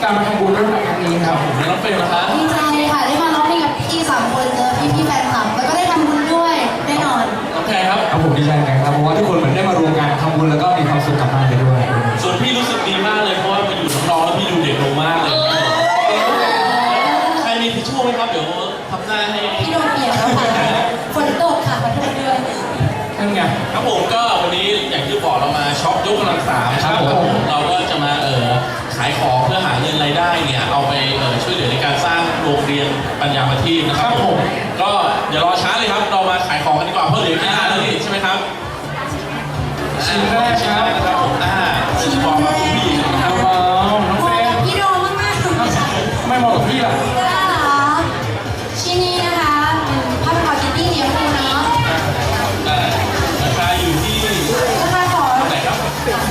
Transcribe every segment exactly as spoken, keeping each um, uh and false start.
การมาทำบุญร่วมกันครั้งนี้ครับผมน้องเฟรมนะครับดีใจค่ะได้มาร้องเพลงกับพี่สามคนเจอพี่พี่แฟนคลับแล้วก็ได้ทำบุญด้วยแน่นอนโอเคครับครับผมดีใจนะครับเพราะว่าทุกคนเหมือนได้มารวมกันทำบุญแล้วก็มีความสุขกลับบ้านไปด้วยส่วนพี่รู้สึกดีมากเลยเพราะว่ามาอยู่น้องๆแล้วพี่ดูเด็กลงมากเลยใครมีทิชชู่ไหมครับเดี๋ยวทำหน้าให้พี่โดนเปียกแล้วค่ะฝนตกค่ะขอโทษด้วยนั่นไงครับผมก็วันนี้อย่างที่บอกเรามาช็อปยกกำลังสามครับผมเราก็จะมาเออขายของเพื่อหาเงินรายได้เนี่ยเอาไปเออช่วยเหลือในการสร้างโรงเรียนปัญญาประทีปนะครับผมก็อย่ารอช้าเลยครับเรามาขายของกันดีกว่าเพราะเหลือแค่ห้านาทีใช่ไหมครับชิ้นแรกครับนะครับผมอ่าชิ้นแรกครับน้องเฟรมพี่โดมมากๆไม่เหมาะกับพี่ล่ะชิ้นนี้นะคะเป็นผ้าพันคอคิตตี้เลี้ยงดูเนาะราคาอยู่ที่ราคาขอเท่าไหร่ครับ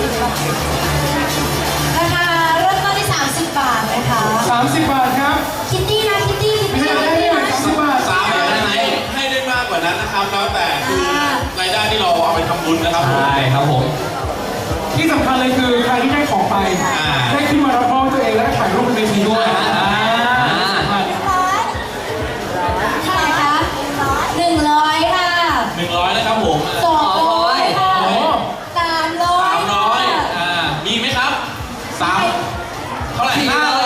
ราคาเริ่มต้นที่สามสิบบาทนะคะสามสิบบาทครับคิตตี้นะคิตตี้คิตตี้คิตตี้นะสามสิบบาทสามได้ไหมให้ได้มากกว่านั้นนะครับแล้วแต่คือรายได้ที่เราเอาไปทำบุญนะครับใช่ครับผมที่สำคัญเลยคือใครที่ได้ของไปได้ขึ้นมารับมอบตัวเองและถ่ายรูปบนเวทีด้วยเท่าไหร่คะหนึ่งร้อยค่ะหนึ่งร้อยนะครับผมสองร้อยค่ะสามร้อยสามร้อยอ่ามีไหมครับสามเท่าไหร่ห้าร้อย